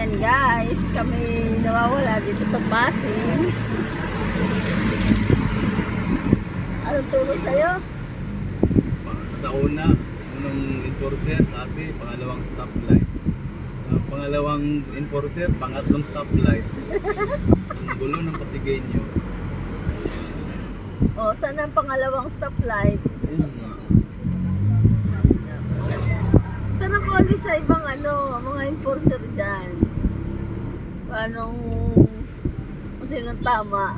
Ayan guys, kami nawawala dito sa Pasig. Anong turo sa'yo? Sa unang enforcer sabi, pangalawang stoplight. Pangalawang enforcer, pangatlong stoplight. Ang gulo ng Pasigueño. O, saan ang pangalawang stoplight? Ayun nga. Saan ang kuli sa ibang mga enforcer dyan? Paano kung sinong tama?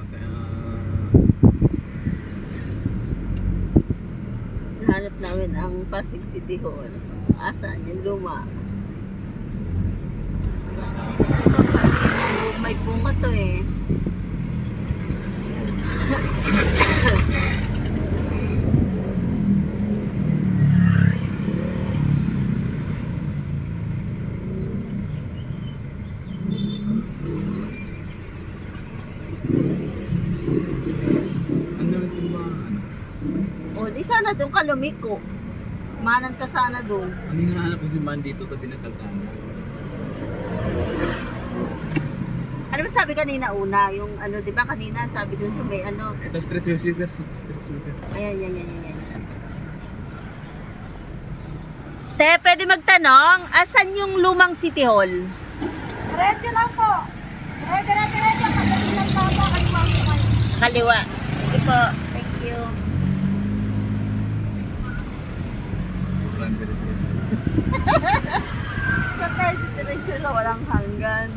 Hanap namin ang Pasig City Hall. Asan? Yung luma. May bunga to eh. Ang daming simbahan. O, di sana doon ka lumiko. Manan ka sana doon. Ang hinahanap ko simbahan dito, tabi ng kalsada. Ano ba sabi kanina una? Yung di ba kanina sabi doon sa may Ito street visitor, street visitor. Ayan. Te, pwede magtanong, asan yung lumang City Hall? Diretso lang po. Diretso. Pagdating ng baba, kaliwa po kayo. Kaliwa. Sige po. Thank you. Sa tayo, diretso na walang hanggan.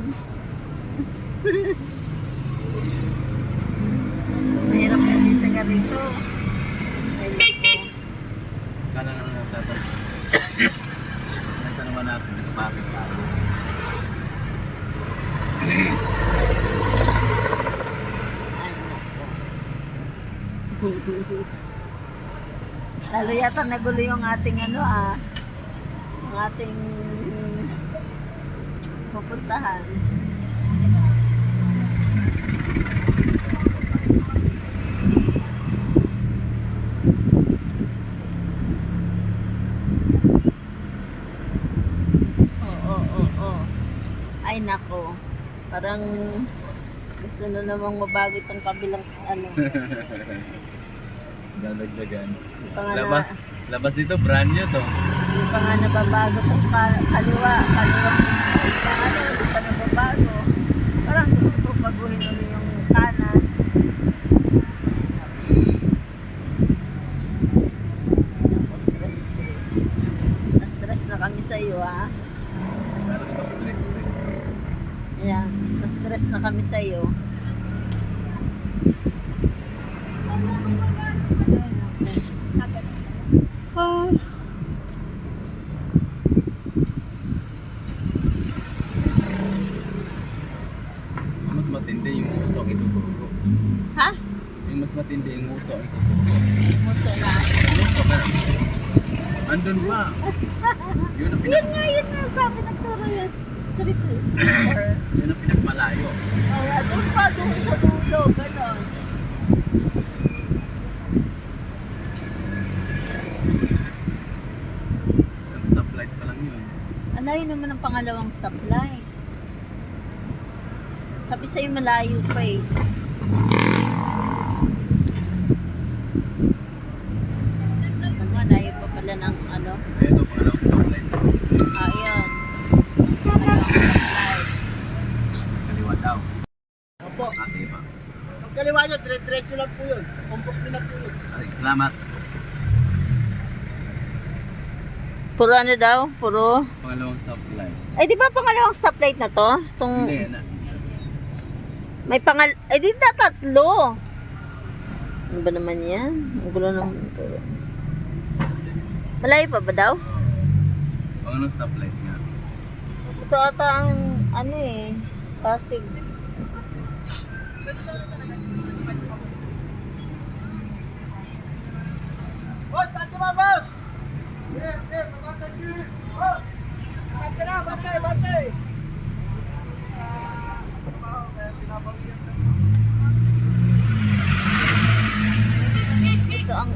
Mahirap na din sa ganito. Ayun po. Kala nga nagtatanong. Nagtanong natin, nagpapit tayo. Ay, nako. Lalo yata nagulo yung ating ang ating pupuntahan. Oo. Ay nako. Parang gusto na namang mabago itong kabilang Dadagdagan. pa nga Labas dito, brand new to. Hindi pa nga nababago itong kaliwa. Hindi pa nababago. Parang gusto ko baguhin ulit yung kanan. Ako, stress ko. Na-stress na kami sa iyo, ha? Pero ito stress. Ayan, na-stress na kami sa iyo. Mas matindi yung usok ituturo. Ha? Yung mas matindi yung usok ituturo. Muso na. Usok ka. Andun pa. Yun ang Yun nga, sabi nagturo yung street sweeper. yun ang pinagmalayo. Kaya doon sa dulo, gano'n. Isang stoplight pa lang yun. Alayo naman ang pangalawang stoplight. Sabi sa'yo malayo pa eh. Malayo pa pala ng Ito, pangalawang stoplight. Ayan. Pangalawang stoplight. Kaliwa daw. Opo. Sige pa. Ang kaliwa nyo, diretso lang po yun. Kumpok nyo na po yun. Ay, salamat. Puro daw? Puro? Pangalawang stoplight. Eh di ba pangalawang stoplight na to? Hindi, May di na tatlo. Ano ba naman yan? Ang gulo naman ito. Malayo pa ba daw? pangalawang stoplight nga. Ito ata ang Pasig. Hoy, pati mga boss! Mamatay nyo! Oh! Batay! Ito ang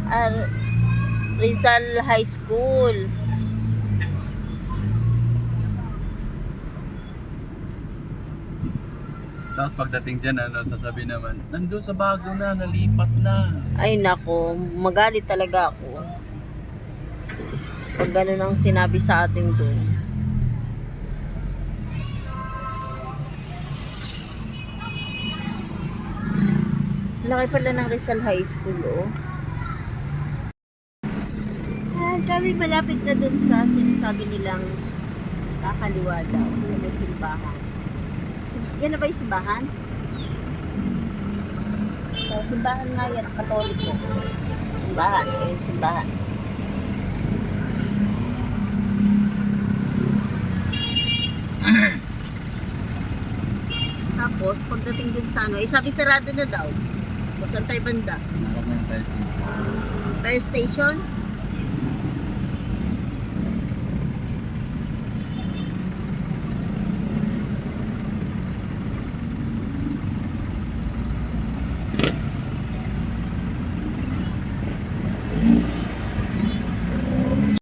Rizal High School. Tapos pagdating dyan, sasabihin naman, nandun sa bago na, nalipat na. Ay nako, magalit talaga ako. Pag gano'n ang sinabi sa atin doon. Laki pala ng Rizal High School, oh. Ah, kami malapit na doon sa sinasabi nilang kakaliwa daw sa may simbahan. Yan na ba yung simbahan? So, simbahan nga yan, Katoliko. Simbahan, ayun, simbahan. Tapos, pagdating dun sa ano, sabi sarado na daw. O, saan tayo banda? Sarap na yung fire station. Fire station?